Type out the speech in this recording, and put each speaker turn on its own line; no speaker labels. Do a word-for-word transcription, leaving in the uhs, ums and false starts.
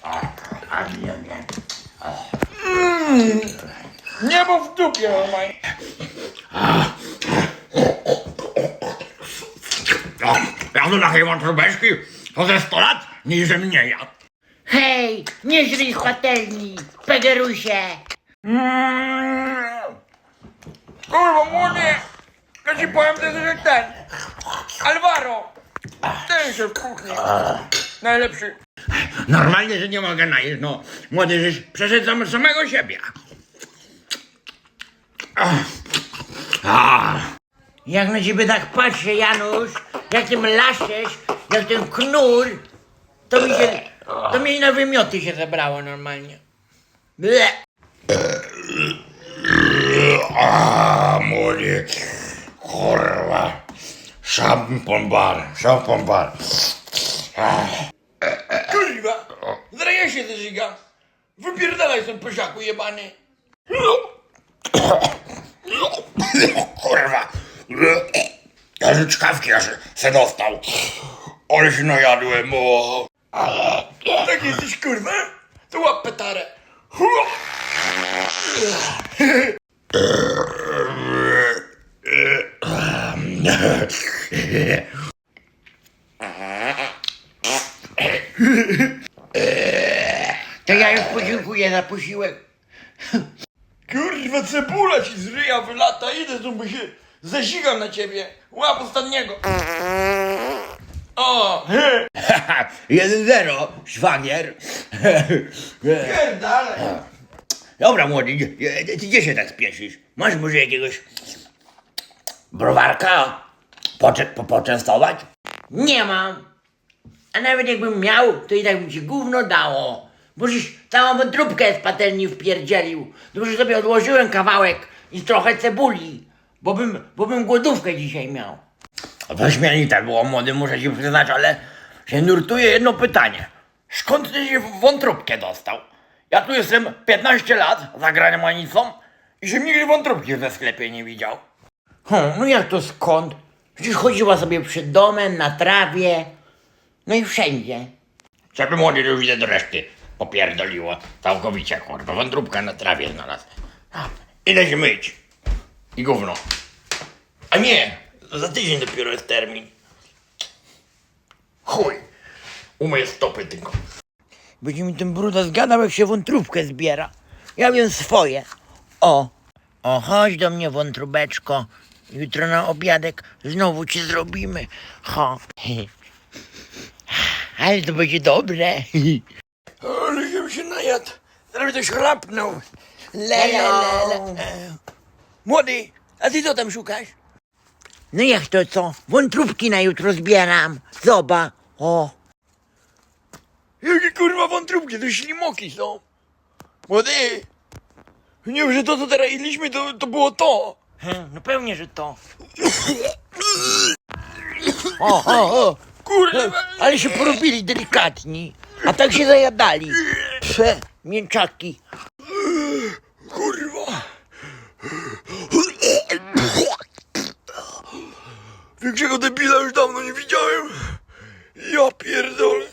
Mm, niebo w dupie, normalnie.
O, ja do takiej wątróbeczki to ze sto lat niż mnie jadł.
Hej, nie żryj patelni, pegerusie.
Mm. Kurwa, młody, ja ci powiem, to jest że ten, Alvaro, ten się w kuchni, najlepszy.
Normalnie, że nie mogę najeść, no. Młody, żeś przeszedł sam, samego siebie. Ach. Ah.
Jak na ciebie tak patrzę, Janusz, jak tym laszesz, jak ten knur, to mi się, to mi na wymioty się zebrało normalnie. Ble.
A, młody. Kurwa. Szampon bar, szampon bar.
Kurwa, zaraz ja się zeżyga, wypierdalaj ten pysiaku jebany.
Kurwa. Ja z czkawki aż se dostał. Ale się najadłem, o.
Tak jesteś kurwa, to łap petarę.
To ja już podziękuję za posiłek.
Kurwa, cebula ci z ryja wylata, idę tu, bo się zazigam na ciebie. Łap ostatniego. O,
jeden zero, szwagier.
pierdalaj.
Dobra, młody, gdzie- ty gdzie się tak spieszysz? Masz może jakiegoś browarka poczę, po, poczęstować?
Nie mam. A nawet jakbym miał, to i tak bym ci gówno dało. Bo żeś całą wątróbkę z patelni wpierdzielił. Dobrze sobie odłożyłem kawałek i trochę cebuli. Bo bym, bo bym głodówkę dzisiaj miał.
Wyśmienite było, młody, muszę ci przyznać, ale się nurtuje jedno pytanie. Skąd ty się w wątróbkę dostał? Ja tu jestem piętnaście lat za granicą i się nigdy wątróbki we sklepie nie widział.
Hmm, no jak to skąd? Przecież chodziła sobie przed domem, na trawie. No i wszędzie.
Żeby młody już widzę do reszty popierdoliło. Całkowicie, kurwa, wątróbka na trawie znalazł. A, idę się myć. I gówno. A nie, za tydzień dopiero jest termin. Chuj, umyję stopy tylko.
Będzie mi ten bruda zgadał, jak się wątróbkę zbiera. Ja wiem swoje. O. O, chodź do mnie, wątróbeczko. Jutro na obiadek znowu ci zrobimy. Ho. Ale to będzie dobre.
Ale żebym się najadł, zaraz ktoś chrapnął. Le, le,
Hello.
le, le. Młody, a ty co tam szukasz?
No jak to co? Wątróbki na jutro zbieram. Zoba. O.
Jakie kurwa wątróbki, to ślimoki są. Młody, nie wiem, że to co teraz jedliśmy, to, to było to.
Hmm, no pewnie, że to. O, o, o.
Kurwa,
Ale się porobili delikatni. A tak się zajadali. Prze, mięczaki.
kurwa. Większego debila już dawno nie widziałem. Ja pierdolę.